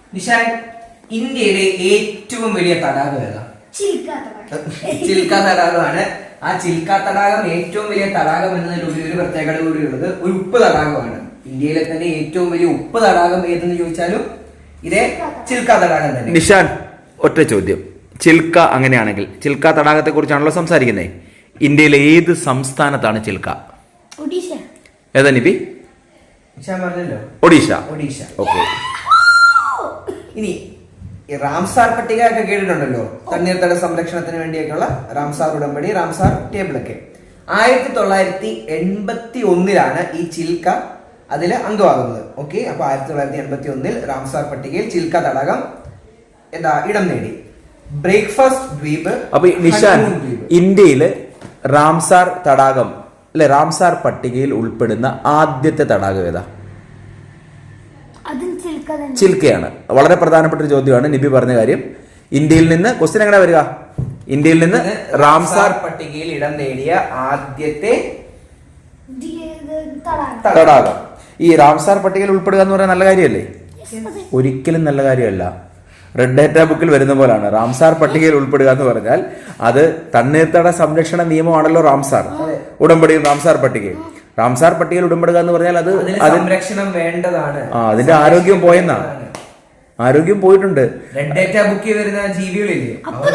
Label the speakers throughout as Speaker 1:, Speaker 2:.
Speaker 1: നിഷാൻ, ഇന്ത്യയിലെ ഏറ്റവും വലിയ തടാകം ഏതാ? ചിൽക്ക തടാകമാണ്. ആ ചിൽക്ക തടാകം ഏറ്റവും വലിയ തടാകം എന്നതിലുപരി ഒരു പ്രത്യേകത കൂടിയുള്ളത് ഒരു ഉപ്പ് തടാകമാണ്. ഇന്ത്യയിലെ തന്നെ ഏറ്റവും വലിയ ഉപ്പ് തടാകം ഏതെന്ന് ചോദിച്ചാലും ഇതേ ചിൽക്ക തടാകം തന്നെ.
Speaker 2: നിഷാൻ, ഒറ്റ ചോദ്യം. ചിൽക്ക അങ്ങനെയാണെങ്കിൽ ചിൽക്ക തടാകത്തെ കുറിച്ചാണല്ലോ സംസാരിക്കുന്നത്. ഇന്ത്യയിലെ ഏത് സംസ്ഥാനത്താണ് ചിൽക്ക? ഏതാ നിപി?
Speaker 1: നിഷാൻ പറഞ്ഞല്ലോ
Speaker 2: ഒഡീഷ. ഓക്കെ.
Speaker 1: ഇനി റാംസാർ പട്ടിക ഒക്കെ കേട്ടിട്ടുണ്ടല്ലോ, തണ്ണീർത്തട സംരക്ഷണത്തിന് വേണ്ടിയൊക്കെയുള്ള റാംസാർ ഉടമ്പടി, റാംസാർ ടേബിൾ ഒക്കെ. 1981 ഈ ചിൽക്ക അതിൽ അംഗമാകുന്നത്. ഓക്കെ, അപ്പൊ 1981 റാംസാർ പട്ടികയിൽ ചിൽക്ക തടാകം ഇടം നേടി. ബ്രേക്ക്ഫാസ്റ്റ് ദ്വീപ്.
Speaker 2: അപ്പൊ നിഷാൻ, ഇന്ത്യയില് റാംസാർ തടാകം അല്ലെ, റാംസാർ പട്ടികയിൽ ഉൾപ്പെടുന്ന ആദ്യത്തെ തടാകം ഏതാ? ചിൽക്കയാണ്. വളരെ പ്രധാനപ്പെട്ട ഒരു ചോദ്യമാണ് നിബി പറഞ്ഞ കാര്യം. ഇന്ത്യയിൽ നിന്ന് ക്വസ്റ്റ്യൻ എങ്ങനെ വരിക? ഇന്ത്യയിൽ നിന്ന് റാംസാർ
Speaker 1: പട്ടികയിൽ ഇടം നേടിയ ആദ്യത്തെ
Speaker 2: തടാകം. ഈ റാംസാർ പട്ടികയിൽ ഉൾപ്പെടുക എന്ന് പറയാൻ നല്ല കാര്യമല്ലേ? ഒരിക്കലും നല്ല കാര്യമല്ല. റെഡ് ഡേറ്റ ബുക്കിൽ വരുന്ന പോലാണ് റാംസാർ പട്ടികയിൽ ഉൾപ്പെടുക എന്ന് പറഞ്ഞാൽ അത് തണ്ണീർത്തട സംരക്ഷണ നിയമമാണല്ലോ റാംസാർ ഉടമ്പടി. റാംസാർ പട്ടികയിൽ ഉടമ്പടുക എന്ന് പറഞ്ഞാൽ അത്
Speaker 1: സംരക്ഷണം വേണ്ടതാണ്.
Speaker 2: അതിന്റെ ആരോഗ്യം പോയെന്നാണ്. ആരോഗ്യം പോയിട്ടുണ്ട്.
Speaker 1: റെഡ് ഡേറ്റ ബുക്കിൽ വരുന്ന ജീവികളില്ലേ,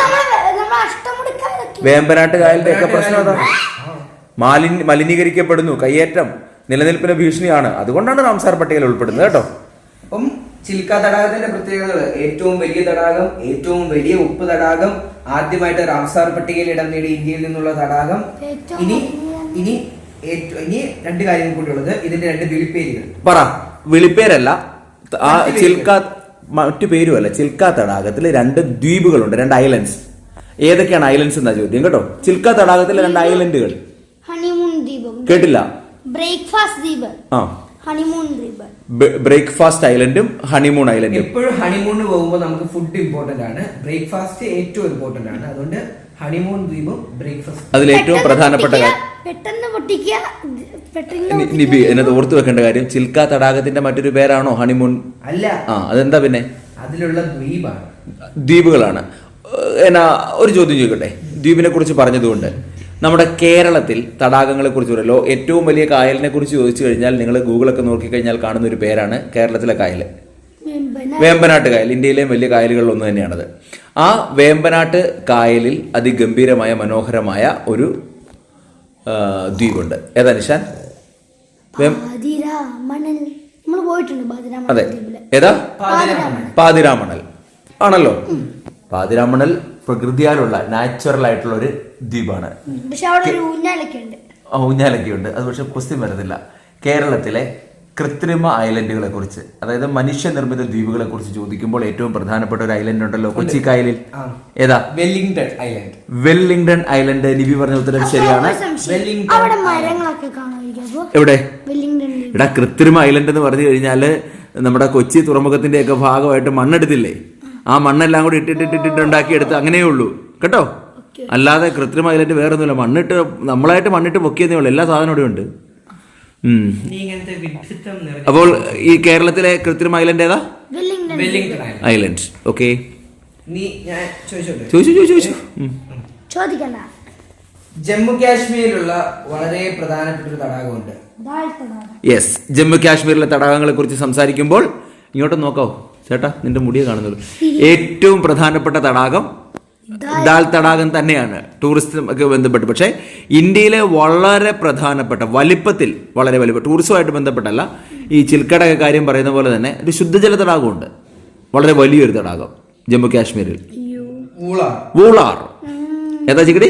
Speaker 2: വേമ്പനാട്ട് കായലിന്റെ ഒക്കെ പ്രശ്നം അതാണ്. മലിനീകരിക്കപ്പെടുന്നു, കയ്യേറ്റം നിലനിൽപ്പിന് ഭീഷണിയാണ്. അതുകൊണ്ടാണ് റാംസാർ പട്ടികയിൽ ഉൾപ്പെടുന്നത് കേട്ടോ.
Speaker 1: അപ്പം ചിൽക്ക തടാകത്തിന്റെ പ്രത്യേകതകൾ: ഏറ്റവും വലിയ തടാകം, ഏറ്റവും വലിയ ഉപ്പ് തടാകം, ആദ്യമായിട്ട് റാംസാർ പട്ടികയിൽ ഇടം നേടി ഇന്ത്യയിൽ നിന്നുള്ള തടാകം. ഇനി രണ്ട് കാര്യങ്ങൾ കൂടിയുള്ളത്, ഇതിന്റെ രണ്ട് വിളിപ്പേരുകൾ
Speaker 2: പറ. വിളിപ്പേരല്ല, ആ ചിൽക്ക മറ്റു പേരുമല്ല. ചിൽക്ക തടാകത്തിൽ 2 ദ്വീപുകളുണ്ട്, 2 ഐലൻഡ്സ്. ഏതൊക്കെയാണ് ഐലൻഡ്സ് എന്നാ ചോദ്യം കേട്ടോ. ചിൽക്ക തടാകത്തിലെ 2 ഐലൻഡുകൾ കേട്ടില്ല. ബ്രേക്ക്ഫാസ്റ്റ് ഐലൻഡും ഹണിമൂൺ ഐലൻഡും.
Speaker 1: എപ്പോഴും ഹണിമൂണിന് പോകുമ്പോൾ നമുക്ക് ഫുഡ് ഇമ്പോർട്ടന്റ് ആണ്, ബ്രേക്ക്ഫാസ്റ്റ് ഏറ്റവും ഇമ്പോർട്ടന്റ് ആണ്. അതുകൊണ്ട് ഹണിമൂൺ ദ്വീപും ബ്രേക്ക്ഫാസ്റ്റ്
Speaker 2: അതിൽ ഏറ്റവും പ്രധാനപ്പെട്ട കാര്യം നിബി എന്നത് ഓർത്തു വെക്കേണ്ട കാര്യം, ചിൽക്ക തടാകത്തിന്റെ മറ്റൊരു പേരാണോ ഹണിമൂൺ?
Speaker 1: അല്ല.
Speaker 2: അതെന്താ പിന്നെ?
Speaker 1: അതിലുള്ള
Speaker 2: ദ്വീപുകളാണ്. എന്നാ ഒരു ചോദ്യം ചോദിക്കട്ടെ. ദ്വീപിനെ കുറിച്ച് പറഞ്ഞതുകൊണ്ട് നമ്മുടെ കേരളത്തിൽ തടാകങ്ങളെ കുറിച്ച് പറയല്ലോ. ഏറ്റവും വലിയ കായലിനെ കുറിച്ച് ചോദിച്ചു കഴിഞ്ഞാൽ നിങ്ങൾ ഗൂഗിളൊക്കെ നോക്കിക്കഴിഞ്ഞാൽ കാണുന്ന ഒരു പേരാണ് കേരളത്തിലെ കായൽ, വേമ്പനാട്ട് കായൽ. ഇന്ത്യയിലെയും വലിയ കായലുകളിൽ ഒന്ന് തന്നെയാണത്. ആ വേമ്പനാട്ട് കായലിൽ അതിഗംഭീരമായ മനോഹരമായ ഒരു ദ്വീപുണ്ട്. ഏതാ നിഷാൻ? അതെ, ഏതാ? പാതിരാമണൽ ആണല്ലോ. പാതിരാമണൽ പ്രകൃതിയാലുള്ള നാച്ചുറൽ ആയിട്ടുള്ള ഒരു ദ്വീപാണ്. ഊഞ്ഞാലൊക്കെ ഉണ്ട്. അത് പക്ഷെ ക്വസ്റ്റ്യൻ വരുന്നില്ല. കേരളത്തിലെ കൃത്രിമ ഐലൻഡുകളെ കുറിച്ച്, അതായത് മനുഷ്യനിർമ്മിത ദ്വീപുകളെ കുറിച്ച് ചോദിക്കുമ്പോൾ ഏറ്റവും പ്രധാനപ്പെട്ട ഒരു ഐലൻഡ് ഉണ്ടല്ലോ കൊച്ചി കായലിൽ. ഏതാ? Wellington island. നിബി പറഞ്ഞ ഉത്തരം ശരിയാണ്. എവിടെ? ഇവിടെ കൃത്രിമ ഐലൻഡ് എന്ന് പറഞ്ഞു കഴിഞ്ഞാല് നമ്മുടെ കൊച്ചി തുറമുഖത്തിന്റെ ഒക്കെ ഭാഗമായിട്ട് മണ്ണെടുത്തില്ലേ, ആ മണ്ണെല്ലാം കൂടി ഇട്ടിട്ടുണ്ടാക്കിയെടുത്ത് അങ്ങനെയേ ഉള്ളൂ കേട്ടോ. അല്ലാതെ കൃത്രിമ ഐലൻഡ് വേറെ ഒന്നുമില്ല. നമ്മളായിട്ട് മണ്ണിട്ട് പൊക്കിയതേ ഉള്ളൂ. എല്ലാ സാധനവും ഇവിടെ ഉണ്ട്. അപ്പോൾ ഈ കേരളത്തിലെ കൃത്രിമ ഐലൻഡ് ഏതാ? ഐലൻഡ്. ഓക്കെ,
Speaker 1: ജമ്മു കാശ്മീരിലുള്ള വളരെ പ്രധാനപ്പെട്ട ഒരു തടാകമുണ്ട്.
Speaker 2: യെസ്, ജമ്മു കാശ്മീരിലെ തടാകങ്ങളെ കുറിച്ച് സംസാരിക്കുമ്പോൾ ഇങ്ങോട്ട് നോക്കാവോ ചേട്ടാ, നിന്റെ മുടിയെ കാണുന്നുള്ളൂ. ഏറ്റവും പ്രധാനപ്പെട്ട തടാകം ദാൽ തടാകം തന്നെയാണ് ടൂറിസ്റ്റ് ഒക്കെ ബന്ധപ്പെട്ട്. പക്ഷേ ഇന്ത്യയിലെ വളരെ പ്രധാനപ്പെട്ട വലിപ്പത്തിൽ വളരെ ടൂറിസവുമായിട്ട് ബന്ധപ്പെട്ടല്ല, ഈ ചിൽക്കടൊക്കെ കാര്യം പറയുന്ന പോലെ തന്നെ ഒരു ശുദ്ധജല തടാകമുണ്ട്, വളരെ വലിയൊരു തടാകം ജമ്മു കാശ്മീരിൽ. വൂളാർ. ഏതാ ചിക്കടി?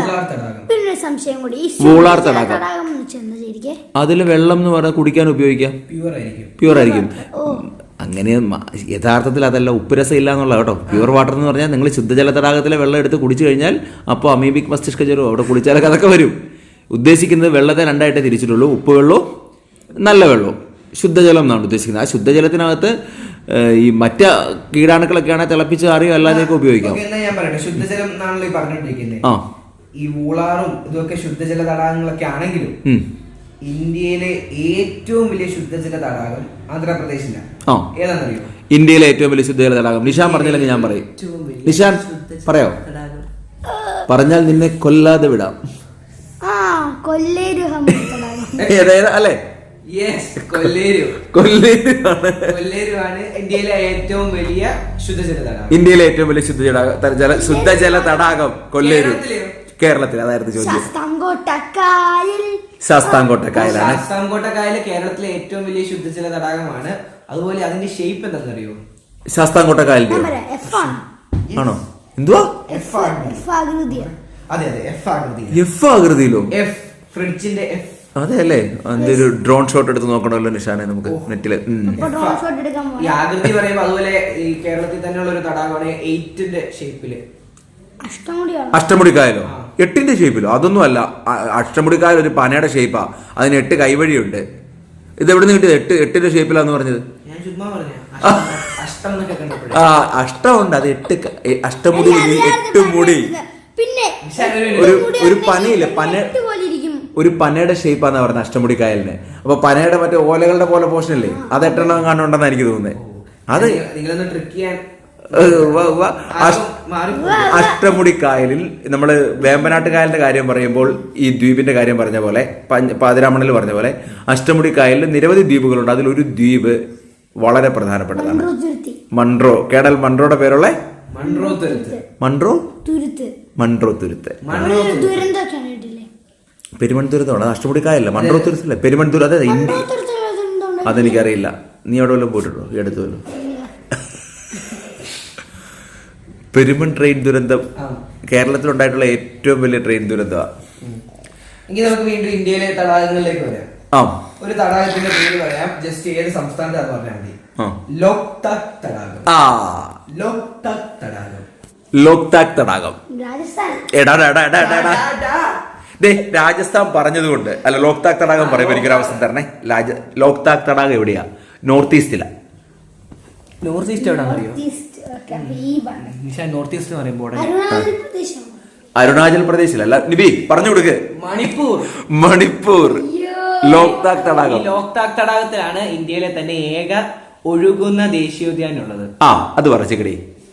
Speaker 2: വൂളാർ തടാകം. അതിൽ വെള്ളം എന്ന് പറഞ്ഞാൽ കുടിക്കാൻ ഉപയോഗിക്കാം, പ്യൂർ ആയിരിക്കും. അങ്ങനെ യഥാർത്ഥത്തിൽ അതല്ല, ഉപ്പുരസം ഇല്ല എന്നുള്ള കേട്ടോ. പ്യുവർ വാട്ടർ എന്ന് പറഞ്ഞാൽ നിങ്ങൾ ശുദ്ധജല തടാകത്തിലെ വെള്ളം എടുത്ത് കുടിച്ചു കഴിഞ്ഞാൽ അപ്പോൾ അമീബിക് മസ്തിഷ്ക ജ്വരം അവിടെ കുടിച്ചാലൊക്കെ അതൊക്കെ വരും. ഉദ്ദേശിക്കുന്നത് വെള്ളത്തെ 2 ആയിട്ടേ തിരിച്ചിട്ടുള്ളൂ, ഉപ്പ് വെള്ളവും നല്ല വെള്ളവും. ശുദ്ധജലം എന്നാണ് ഉദ്ദേശിക്കുന്നത്. ആ ശുദ്ധജലത്തിനകത്ത് ഈ മറ്റ കീടാണുക്കളൊക്കെയാണ് തിളപ്പിച്ച് അറിയോ അല്ലാതെയൊക്കെ ഉപയോഗിക്കാം.
Speaker 1: ശുദ്ധജലം എന്നാണല്ലോ പറഞ്ഞിട്ടിരിക്കുന്നത്. ഈ വൂളാറും ഇതൊക്കെ ശുദ്ധജല തടാകങ്ങളൊക്കെ ആണെങ്കിലും ഇന്ത്യയിലെ ഏറ്റവും വലിയ ശുദ്ധജല തടാകം ആന്ധ്രാപ്രദേശിലാണ്. ഏതാണെന്നറിയോ?
Speaker 2: ഇന്ത്യയിലെ ഏറ്റവും വലിയ ശുദ്ധജല തടാകം നിഷാൻ പറഞ്ഞില്ലെങ്കിൽ ഞാൻ പറയും. നിഷാൻ പറയോ? പറഞ്ഞാൽ നിന്നെ കൊല്ലാതെ വിടാം. അല്ലേ?
Speaker 1: കൊല്ലേരുവാണ് ഇന്ത്യയിലെ ഏറ്റവും വലിയ ശുദ്ധജല തടാകം.
Speaker 2: ഇന്ത്യയിലെ ഏറ്റവും വലിയ ശുദ്ധജല തടാകം കൊല്ലേരു. കേരളത്തിൽ അതായിരുന്നു ചോദ്യം. ശാസ്താംകോട്ട കായലാണ്.
Speaker 1: ശാസ്താംകോട്ട കായൽ കേരളത്തിലെ ഏറ്റവും വലിയ ശുദ്ധജല തടാകമാണ്. അതുപോലെ അതിന്റെ ഷേപ്പ് എന്താണെന്നറിയോ?
Speaker 2: ശാസ്താംകോട്ട കായലിന്റെ ആണോ? എന്തുവാ? എഫ് ആകൃതിയിലോ?
Speaker 1: ഫ്രിഡ്ജിന്റെ എഫ്.
Speaker 2: അതെ അല്ലേ? ഒരു ഡ്രോൺ ഷോട്ട് എടുത്ത് നോക്കണമല്ലോ നിഷാനെ നമുക്ക് നെറ്റില്.
Speaker 1: ഈ ആകൃതി പറയുമ്പോ അതുപോലെ ഈ കേരളത്തിൽ തന്നെയുള്ള ഒരു തടാകമാണ് 8ന്റെ ഷേപ്പില്.
Speaker 2: അഷ്ടമുടി കായലോ? 8ന്റെ ഷേപ്പിലോ? അതൊന്നും അല്ല. അഷ്ടമുടി കായൽ ഒരു പനയുടെ ഷേപ്പാ. അതിന് 8 കൈവഴിയുണ്ട്. ഇത് എവിടെ നിന്ന് കിട്ടിയത്? 8ന്റെ ഷേപ്പിലാന്ന് പറഞ്ഞത്. അഷ്ടമുണ്ട്. അത് 8 അഷ്ടമുടി 8 മുടി. ഒരു പനയില്ല, ഒരു പനയുടെ ഷേപ്പാന്ന് പറഞ്ഞ അഷ്ടമുടി കായലിന്. അപ്പൊ പനയുടെ മറ്റേ ഓലകളുടെ പോലെ പോർഷൻ അല്ലേ, അത് 8 കാണുന്നുണ്ടെന്ന് എനിക്ക് തോന്നുന്നത്. അത് അഷ്ടമുടി കായലിൽ നമ്മള് വേമ്പനാട്ട് കായലിന്റെ കാര്യം പറയുമ്പോൾ ഈ ദ്വീപിന്റെ കാര്യം പറഞ്ഞ പോലെ, പാതിരാമണൽ പറഞ്ഞ പോലെ അഷ്ടമുടി കായലിൽ നിരവധി ദ്വീപുകളുണ്ട്. അതിലൊരു ദ്വീപ് വളരെ പ്രധാനപ്പെട്ടതാണ്. മൺട്രോ. കേടൽ മൺട്രോയുടെ പേരുള്ള മൺട്രോ തുരുത്ത്. പെരുമൺതുരുത്താണ്. അഷ്ടമുടി കായലല്ല, മൺട്രോ തുരുത്തല്ലേ, പെരുമൺതുരുത്ത്. അതെ, അതെനിക്കറിയില്ല. നീ അവിടെ വല്ലതും പോയിട്ടുണ്ടോ ഈ അടുത്ത് വല്ലതും? പെരുമൺ ട്രെയിൻ ദുരന്തം കേരളത്തിലുണ്ടായിട്ടുള്ള ഏറ്റവും വലിയ ട്രെയിൻ ദുരന്തമാണ്.
Speaker 1: എങ്കിൽ നമുക്ക് വീണ്ടും ഇന്ത്യയിലെ തടാകങ്ങളിലേക്ക് വരാം. ഒരു തടാകത്തിന്റെ പേര് പറയാം. ജസ്റ്റ് ഏത് സംസ്ഥാനത്താന്ന് പറഞ്ഞാൽ മതി. ലോക്താക് തടാകം.
Speaker 2: ലോക്താക് തടാകം. രാജസ്ഥാൻ പറഞ്ഞതുകൊണ്ട് അല്ല, ലോക്താക് തടാകം പറയുമ്പോൾ എനിക്കൊരു അവസരം തരണേ. ലോക്താക് തടാകം എവിടെയാ? നോർത്ത് ഈസ്റ്റിലാ.
Speaker 1: നോർത്ത് ഈസ്റ്റ് എവിടെയാണെന്ന് അറിയോ? നോർത്ത് ഈസ്റ്റ് പറയുമ്പോൾ
Speaker 2: അരുണാചൽ പ്രദേശിലല്ല. നിബി പറഞ്ഞു കൊടുക്ക്. മണിപ്പൂർ. ലോക്താക് തടാകം.
Speaker 1: ലോക്താക് തടാകത്തിലാണ് ഇന്ത്യയിലെ തന്നെ ഏക ഒഴുകുന്ന ദേശീയോദ്യാനം ഉള്ളത്.
Speaker 2: അത് പറച്ചിക്കടി.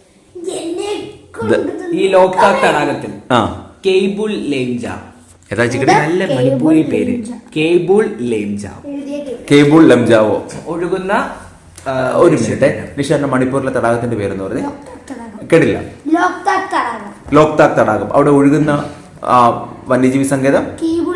Speaker 1: ഈ ലോക്താക് തടാകത്തിൽ കേബിൾ ലേംജാ. നല്ല മണിപ്പൂരി പേര്. കേബിൾ
Speaker 2: ലേംജാവോ ഒഴുകുന്ന. ഒരു മിനിറ്റ്, നിഷാന്റെ മണിപ്പൂരിലെ തടാകത്തിന്റെ പേരെന്ന് പറഞ്ഞേ കേട്ടില്ല. ലോക്താക് തടാകം. അവിടെ ഒഴുകുന്ന വന്യജീവി സങ്കേതം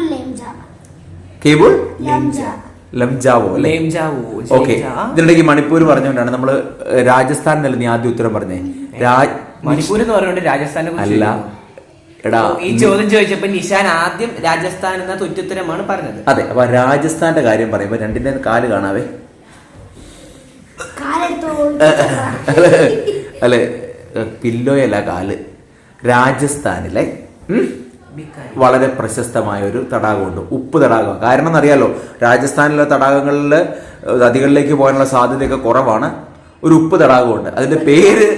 Speaker 2: കേബിൾ ലംജാവോ. ഓക്കെ. ഇതിനിടയ്ക്ക് മണിപ്പൂർ പറഞ്ഞുകൊണ്ടാണ് നമ്മള് രാജസ്ഥാനിലല്ല നീ ആദ്യം ഉത്തരം പറഞ്ഞേ.
Speaker 1: മണിപ്പൂർ എന്ന് പറഞ്ഞുകൊണ്ട് രാജസ്ഥാനെ
Speaker 2: അല്ല. എടാ,
Speaker 1: ഈ ചോദ്യം ചോദിച്ചപ്പോ നിഷാൻ ആദ്യം രാജസ്ഥാൻ എന്ന തുറ്റുത്തരമാണ് പറഞ്ഞത്.
Speaker 2: അതെ. അപ്പൊ രാജസ്ഥാന്റെ കാര്യം പറയുമ്പോ രണ്ടിന്റെ കാല് കാണാവേ. അല്ലെ, പില്ലോയല്ല, കാല്. രാജസ്ഥാനിലെ വളരെ പ്രശസ്തമായ ഒരു തടാകമുണ്ട്, ഉപ്പ് തടാകം. കാരണം എന്നറിയാലോ, രാജസ്ഥാനിലെ തടാകങ്ങളിൽ നദികളിലേക്ക് പോകാനുള്ള സാധ്യതയൊക്കെ കുറവാണ്. ഒരു ഉപ്പ് തടാകമുണ്ട്. അതിന്റെ പേര്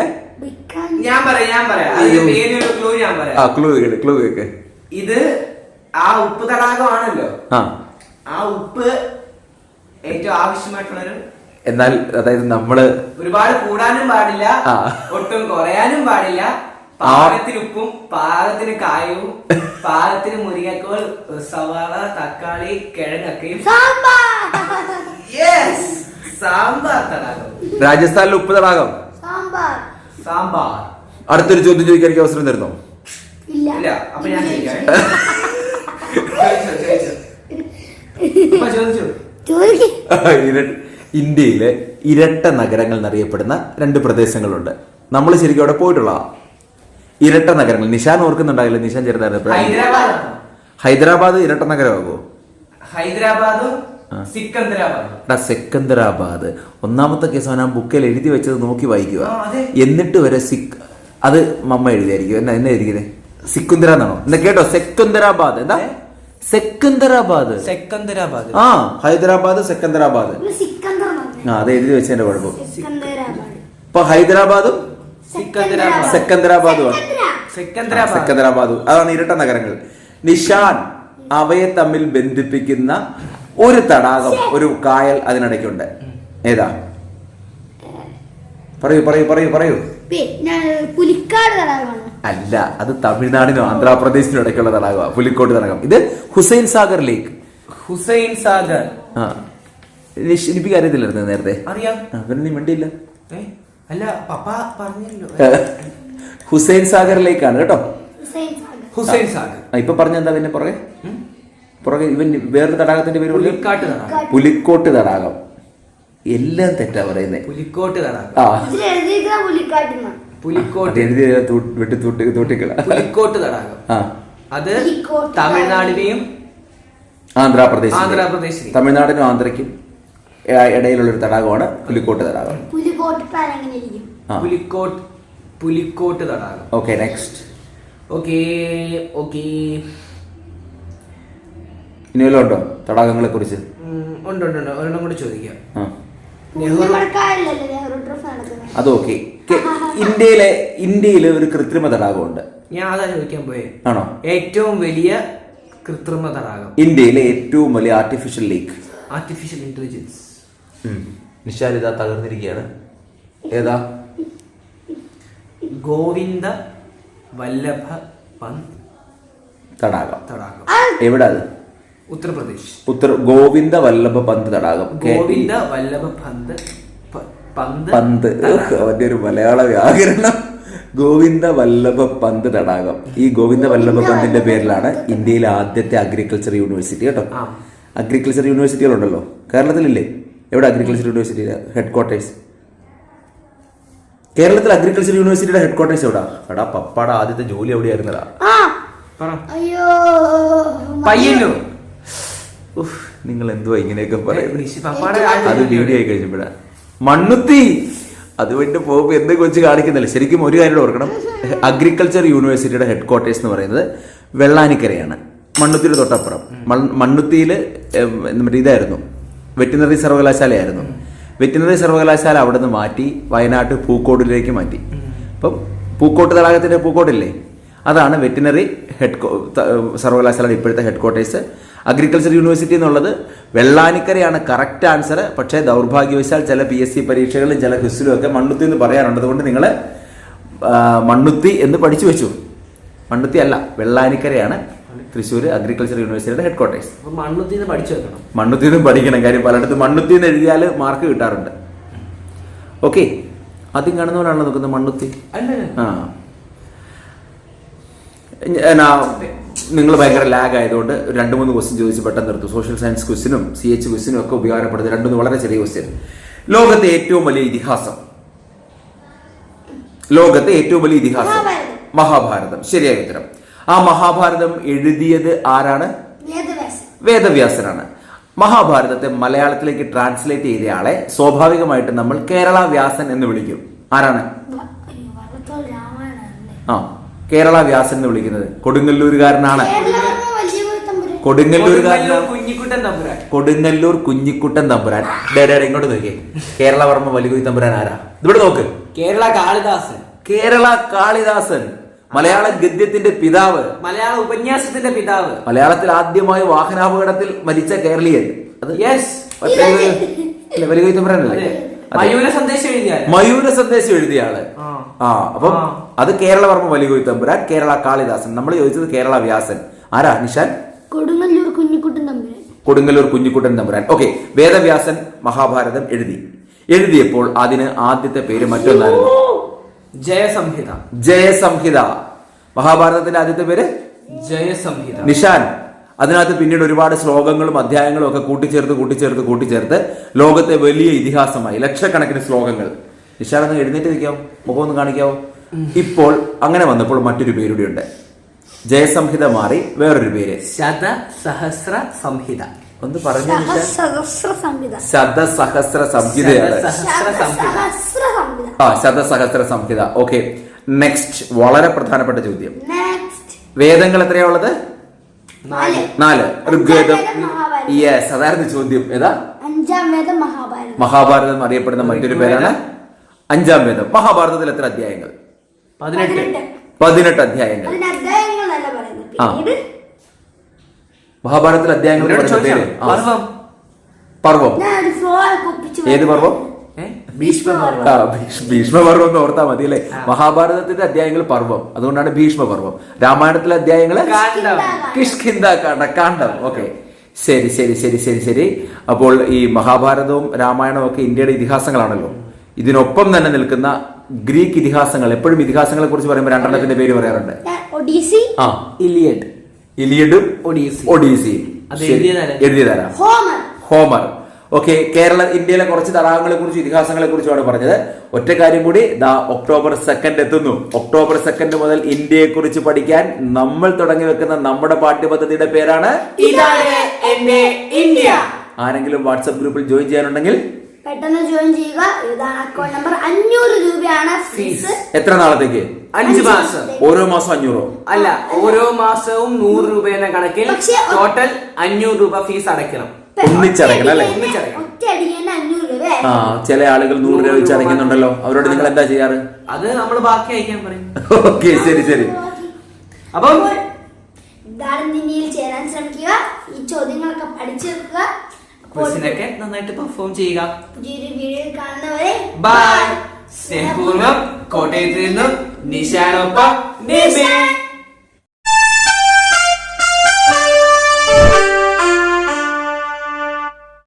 Speaker 2: ക്ലൂ കേക്ക്.
Speaker 1: ഇത് ആ ഉപ്പ് തടാകമാണല്ലോ. ആ ഉപ്പ് ഏറ്റവും ആവശ്യമായിട്ടുള്ളൊരു,
Speaker 2: എന്നാൽ അതായത് നമ്മള്
Speaker 1: ഒരുപാട് കൂടാനും പാടില്ല, ഒട്ടും കുറയാനും പാടില്ല. പാകത്തിന് ഉപ്പും പാകത്തിന് കായവും പാകത്തിന് മുരിങ്ങക്കോൽ, സവാള, തക്കാളി, കിഴങ്ങൊക്കെയും. സാമ്പാർ തടാകം.
Speaker 2: രാജസ്ഥാനിലെ ഉപ്പ് തടാകം.
Speaker 1: സാമ്പാർ.
Speaker 2: അടുത്തൊരു ചോദ്യം ചോദിക്കാൻ എനിക്ക് അവസരം തരുന്നോ?
Speaker 1: ഇല്ല. അപ്പൊ ഞാൻ
Speaker 2: ഇന്ത്യയിലെ ഇരട്ട നഗരങ്ങൾ എന്നറിയപ്പെടുന്ന 2 പ്രദേശങ്ങളുണ്ട്. നമ്മൾ ശരിക്കും അവിടെ പോയിട്ടുള്ള ഇരട്ട നഗരങ്ങൾ. നിഷാൻ ഓർക്കുന്നുണ്ടാവില്ല, നിഷാൻ ചെറുതായിരുന്നു. ഹൈദരാബാദ് ഇരട്ട നഗരമാകുമോ?
Speaker 1: ഹൈദരാബാദും
Speaker 2: സെക്കന്ദരാബാദ്. ഒന്നാമത്തെ കേസ് അവൻ ആ ബുക്കിൽ എഴുതി വെച്ചത് നോക്കി വായിക്കുക. എന്നിട്ട് വരെ അത് മമ്മ എഴുതിയായിരിക്കും. എന്നാ എഴുതിയത്? സിക്കുന്തര എന്നാണോ? എന്നാ കേട്ടോ, സെക്കന്ദരാബാദ്. എന്താ സെക്കന്ദരാബാദ്? ഹൈദരാബാദ് സെക്കന്ദരാബാദ്. അത് എഴുതി വെച്ചതിന്റെ കുഴപ്പം. ഇപ്പൊ ഹൈദരാബാദും സെക്കന്ദരാബാദുമാണ്. സെക്കന്ദരാബാദ്. അതാണ് ഇരട്ട നഗരങ്ങൾ. നിഷാൻ അവയെ തമ്മിൽ ബന്ധിപ്പിക്കുന്ന ഒരു തടാകം, ഒരു കായൽ അതിനിടയ്ക്കുണ്ട്. ഏതാ? പറയൂ.
Speaker 3: പുലിക്കാട് തടാകമാണ്.
Speaker 2: അല്ല, അത് തമിഴ്നാടിനും ആന്ധ്രാപ്രദേശിനും ഇടയ്ക്കുള്ള തടാകമാണ് പുലിക്കോട്ട് തടാകം. ഇത് ഹുസൈൻ സാഗർ ലേക്ക്.
Speaker 1: ഹുസൈൻ സാഗർ.
Speaker 2: ആ, എനിക്ക് അറിയത്തില്ലായിരുന്നു നേരത്തെ.
Speaker 1: അറിയാം.
Speaker 2: അവരെ നീ മിണ്ടിയില്ല.
Speaker 1: അല്ല, പപ്പ പറഞ്ഞല്ലോ.
Speaker 2: ഹുസൈൻ സാഗർ ലേക്കാണ് കേട്ടോ.
Speaker 1: ഹുസൈൻ സാഗർ.
Speaker 2: ഇപ്പൊ പറഞ്ഞെന്താ പിന്നെ പുറകെ ഇവൻ വേറൊരു തടാകത്തിന്റെ പേര്
Speaker 1: പുലിക്കോട്ട്
Speaker 2: പുലിക്കോട്ട്
Speaker 1: തടാകം.
Speaker 2: തടാകം. എല്ലാം തെറ്റാ പറയുന്നത്.
Speaker 1: പുലിക്കോട്ട് തടാകം. പുലിക്കോട്ട് തടാകം. അത് തമിഴ്നാടിനെയും
Speaker 2: ആന്ധ്രാപ്രദേശ് തമിഴ്നാടിനും ആന്ധ്രയ്ക്കും ഇടയിലുള്ള ഒരു തടാകമാണ് പുലിക്കോട്ട് തടാകം.
Speaker 1: പുലിക്കോട്ട് തടാകം.
Speaker 2: Okay, next.
Speaker 1: ഓക്കെ.
Speaker 2: ഇനി വല്ലതും ഉണ്ടോ തടാകങ്ങളെ കുറിച്ച്?
Speaker 1: ഉണ്ട്. ഒരെണ്ണം കൂടെ ചോദിക്കാം.
Speaker 2: അത് ഓക്കെ. ഇന്ത്യയിലെ ഒരു കൃത്രിമ തടാകമുണ്ട്.
Speaker 1: ഞാൻ അതാ ചോദിക്കാൻ പോയേ.
Speaker 2: ആണോ?
Speaker 1: ഏറ്റവും വലിയ കൃത്രിമ തടാകം.
Speaker 2: ഇന്ത്യയിലെ ഏറ്റവും വലിയ artificial lake.
Speaker 1: Artificial intelligence.
Speaker 2: Nishal ഇതാ തകർന്നിരിക്കുകയാണ്. ഏതാ?
Speaker 1: ഗോവിന്ദ വല്ലഭ പന്ത്
Speaker 2: തടാകം.
Speaker 1: എവിടെ
Speaker 2: അത്?
Speaker 1: ഉത്തർപ്രദേശ്.
Speaker 2: ഗോവിന്ദ വല്ലഭ പന്ത് തടാകം.
Speaker 1: ഗോവിന്ദ വല്ലഭ പന്ത്.
Speaker 2: അവന്റെ ഒരു മലയാള വ്യാകരണം. ഗോവിന്ദ വല്ലഭ പന്ത് തടാകം. ഈ ഗോവിന്ദ വല്ലഭ പന്തിന്റെ പേരിലാണ് ഇന്ത്യയിലെ ആദ്യത്തെ അഗ്രികൾച്ചർ യൂണിവേഴ്സിറ്റി കേട്ടോ. അഗ്രികൾച്ചർ യൂണിവേഴ്സിറ്റികളുണ്ടല്ലോ കേരളത്തിലില്ലേ? എവിടെ അഗ്രികൾച്ചർ യൂണിവേഴ്സിറ്റി ഹെഡ്ക്വാർട്ടേഴ്സ്? കേരളത്തിൽ അഗ്രികൾച്ചർ യൂണിവേഴ്സിറ്റിയുടെ ഹെഡ്ക്വാർട്ടേഴ്സ് എവിടാ? പപ്പാടെ ആദ്യത്തെ ജോലി എവിടെയായിരുന്നടാ?
Speaker 1: പയ്യന്നൂർ.
Speaker 2: നിങ്ങൾ എന്തുവാ ഇങ്ങനെയൊക്കെ പറയുന്നത്? അത് വീഡിയോ ആയി കഴിഞ്ഞപ്പോഴാ. മണ്ണുത്തി. അതുകൊണ്ട് പോകുമ്പോൾ എന്ത് കൊച്ചു കാണിക്കുന്നില്ല. ശരിക്കും ഒരു കാര്യം ഓർക്കണം, അഗ്രികൾച്ചർ യൂണിവേഴ്സിറ്റിയുടെ ഹെഡ്ക്വാർട്ടേഴ്സ് എന്ന് പറയുന്നത് വെള്ളാനിക്കരയാണ്, മണ്ണുത്തിയുടെ തൊട്ടപ്പുറം. മണ്ണുത്തിയിൽ ഇതായിരുന്നു, വെറ്റിനറി സർവകലാശാലയായിരുന്നു. വെറ്റിനറി സർവകലാശാല അവിടെ നിന്ന് മാറ്റി വയനാട്ട് പൂക്കോട്ടിലേക്ക് മാറ്റി. അപ്പം പൂക്കോട്ട് തടാകത്തിന്റെ പൂക്കോട്ടില്ലേ, അതാണ് വെറ്റിനറി സർവകലാശാലയുടെ ഇപ്പോഴത്തെ ഹെഡ്ക്വാർട്ടേഴ്സ്. അഗ്രികൾച്ചർ യൂണിവേഴ്സിറ്റി എന്നുള്ളത് വെള്ളാനിക്കരയാണ് കറക്റ്റ് ആൻസർ. പക്ഷേ ദൗർഭാഗ്യവശാൽ ചില PSC പരീക്ഷകളിലും ചില ക്വിസിലും ഒക്കെ മണ്ണുത്തി എന്ന് പറയാറുണ്ട്. അതുകൊണ്ട് നിങ്ങൾ മണ്ണുത്തി എന്ന് പഠിച്ചു വെച്ചു. മണ്ണുത്തി അല്ല, വെള്ളാനിക്കരയാണ് തൃശ്ശൂർ അഗ്രികൾച്ചർ യൂണിവേഴ്സിറ്റിയുടെ ഹെഡ്ക്വാർട്ടേഴ്സ്. മണ്ണുത്തി നിന്ന് പഠിക്കണം. കാര്യം പലയിടത്തും മണ്ണുത്തി എന്ന് എഴുതിയാൽ മാർക്ക് കിട്ടാറുണ്ട്. ഓക്കെ, ആദ്യം കാണുന്നവരാണല്ലോ നോക്കുന്നത് മണ്ണുത്തി. നിങ്ങൾ ഭയങ്കര ലാഗ് ആയതുകൊണ്ട് 2-3 ക്വസ്റ്റ്യൻ ചോദിച്ച് പെട്ടെന്ന് നിർത്തും. സോഷ്യൽ സയൻസ് ക്വസ്റ്റിനും CH ക്വസ്റ്റിനും ഒക്കെ ഉപകാരപ്പെടുന്നത് 2 വളരെ ചെറിയ ക്വസ്റ്റ്യൻ. ലോകത്തെ ഏറ്റവും വലിയ ഇതിഹാസം. മഹാഭാരതം. ശരിയായ ഉത്തരം. ആ മഹാഭാരതം എഴുതിയത് ആരാണ്? വേദവ്യാസനാണ്. മഹാഭാരതത്തെ മലയാളത്തിലേക്ക് ട്രാൻസ്ലേറ്റ് ചെയ്തയാളെ സ്വാഭാവികമായിട്ട് നമ്മൾ കേരള വ്യാസൻ എന്ന് വിളിക്കും. ആരാണ്? കേരള വ്യാസൻ എന്ന് വിളിക്കുന്നത് കൊടുങ്ങല്ലൂരുകാരനാണ്. കൊടുങ്ങല്ലൂർ കുഞ്ഞിക്കുട്ടൻ തമ്പുരാൻ. ഇങ്ങോട്ട് നോക്കിയേ. കേരളവർമ്മ വലിയ തമ്പുരാൻ ആരാ? ഇവിടെ നോക്ക്. കേരള കാളിദാസൻ, മലയാള ഗദ്യത്തിന്റെ പിതാവ്,
Speaker 1: മലയാള ഉപന്യാസത്തിന്റെ പിതാവ്,
Speaker 2: മലയാളത്തിൽ ആദ്യമായി വാഹനാപകടത്തിൽ മരിച്ച കേരളീയൻ. വലിയ തമ്പുരാനല്ലേ? മയൂര സന്ദേശം എഴുതിയ ആള്. അപ്പം അത് കേരളവർമ്മ വലിയ തമ്പുരാൻ, കേരള കാളിദാസൻ. നമ്മൾ ചോദിച്ചത് കേരള വ്യാസൻ. ആരാ നിഷാൻ?
Speaker 3: കൊടുങ്ങല്ലൂർ
Speaker 2: കുഞ്ഞിക്കുട്ടൻ തമ്പുരാൻ. ഓക്കെ, വേദവ്യാസൻ മഹാഭാരതം എഴുതിയപ്പോൾ അതിന് ആദ്യത്തെ പേര് മറ്റൊന്നായിരുന്നു, ജയസംഹിത. മഹാഭാരതത്തിന്റെ ആദ്യത്തെ പേര്
Speaker 1: ജയസംഹിത.
Speaker 2: നിഷാൻ, അതിനകത്ത് പിന്നീട് ഒരുപാട് ശ്ലോകങ്ങളും അധ്യായങ്ങളും ഒക്കെ കൂട്ടിച്ചേർത്ത് ലോകത്തെ വലിയ ഇതിഹാസമായി ലക്ഷക്കണക്കിന് ശ്ലോകങ്ങൾ. നിഷാൻ ഒന്ന് എഴുന്നേറ്റ് നിൽക്കാവോ? മുഖം ഒന്ന് കാണിക്കാവോ? ഇപ്പോൾ അങ്ങനെ വന്നപ്പോൾ മറ്റൊരു പേരുടെ ഉണ്ട്. ജയസംഹിത മാറി വേറൊരു പേര്
Speaker 1: ശതസഹസ്ര സംഹിത.
Speaker 2: ഒന്ന് പറഞ്ഞു. ശതസഹസ്ര സംഹിത. ഓക്കെ, നെക്സ്റ്റ് വളരെ പ്രധാനപ്പെട്ട ചോദ്യം. വേദങ്ങൾ എത്രയാ ഉള്ളത്? 4. ഋഗ്വേദം. യെസ്, അതായിരുന്നു ചോദ്യം. ഏതാ? മഹാഭാരതം അറിയപ്പെടുന്ന മറ്റൊരു പേരാണ് 5-ാം വേദം. മഹാഭാരതത്തിൽ എത്ര അധ്യായങ്ങൾ? 18 അധ്യായങ്ങൾ. മഹാഭാരതത്തിൽ അധ്യായങ്ങൾ പർവം. ഏത് പർവം? ഭീഷ്മപർവം എന്ന് ഓർത്താ മതി അല്ലെ. മഹാഭാരതത്തിന്റെ അധ്യായങ്ങൾ പർവം, അതുകൊണ്ടാണ് ഭീഷ്മപർവം. രാമായണത്തിലെ അധ്യായങ്ങള് കിഷ്കിന്ധാകാന്ഡ, കാണ്ഡം. ഓക്കെ, ശരി ശരി ശരി ശരി ശരി. അപ്പോൾ ഈ മഹാഭാരതവും രാമായണവും ഒക്കെ ഇന്ത്യയുടെ ഇതിഹാസങ്ങളാണല്ലോ. ഇതിനൊപ്പം തന്നെ നിൽക്കുന്ന ഗ്രീക്ക് ഇതിഹാസങ്ങൾ, എപ്പോഴും ഇതിഹാസങ്ങളെ കുറിച്ച് പറയുമ്പോൾ രണ്ടെണ്ണത്തിന്റെ പേര് പറയാറുണ്ട്.
Speaker 3: ഒഡീസി,
Speaker 2: ഇലിയഡും ഒഡീസിയും. എഴുതിയതാരാ? ഹോമർ. ഓക്കെ, ഇന്ത്യയിലെ കുറച്ച് തടാകങ്ങളെ കുറിച്ച് ഇതിഹാസങ്ങളെ കുറിച്ചുമാണ് പറഞ്ഞത്. ഒറ്റ കാര്യം കൂടി, ഒക്ടോബർ 2 എത്തുന്നു. ഒക്ടോബർ 2 മുതൽ ഇന്ത്യയെ കുറിച്ച് പഠിക്കാൻ നമ്മൾ തുടങ്ങി വെക്കുന്ന നമ്മുടെ പാഠ്യപദ്ധതിയുടെ പേരാണ് ഇന്ത്യ. ആരെങ്കിലും വാട്സ്ആപ്പ് ഗ്രൂപ്പിൽ ജോയിൻ ചെയ്യാനുണ്ടെങ്കിൽ
Speaker 3: പെട്ടെന്ന് ജോയിൻ ചെയ്യുക. ഇതാണ് അക്കൗണ്ട് നമ്പർ. 500 രൂപയാണ് ഫീസ്.
Speaker 2: എത്ര നാളത്തേക്ക്?
Speaker 1: 5 മാസം.
Speaker 2: ഓരോ മാസം 500
Speaker 1: അല്ല, ഓരോ മാസവും 100 രൂപ എന്ന കണക്കിൽ ടോട്ടൽ 500 രൂപ ഫീസ് അടയ്ക്കണം.
Speaker 2: ഒന്നിച്ചടയ്ക്കണം അല്ലേ? ചില ആളുകൾ 100 രൂപ വെച്ച് അടയ്ക്കുന്നുണ്ടല്ലോ, അവരോട് നിങ്ങൾ എന്താ ചെയ്യാറ്?
Speaker 1: അത് നമ്മൾ ബാക്കി അയക്കാൻ പറയും.
Speaker 2: ഓക്കെ, ശരി ശരി.
Speaker 3: അപ്പം ഇന്ത്യയിൽ ചേരാൻ ശ്രമിക്കുക. ഈ ചോദ്യങ്ങളൊക്കെ പഠിച്ചെടുക്കുക.
Speaker 1: ക്വസ്റ്റ്യനൊക്കെ നന്നായിട്ട് പെർഫോം ചെയ്യുക.
Speaker 3: പുതിയൊരു വീഡിയോ കാണുന്നവരെ
Speaker 1: ബൈ. സ്നേഹപൂർവ്വം കോട്ടയത്ത് നിന്നും നിശാനൊപ്പം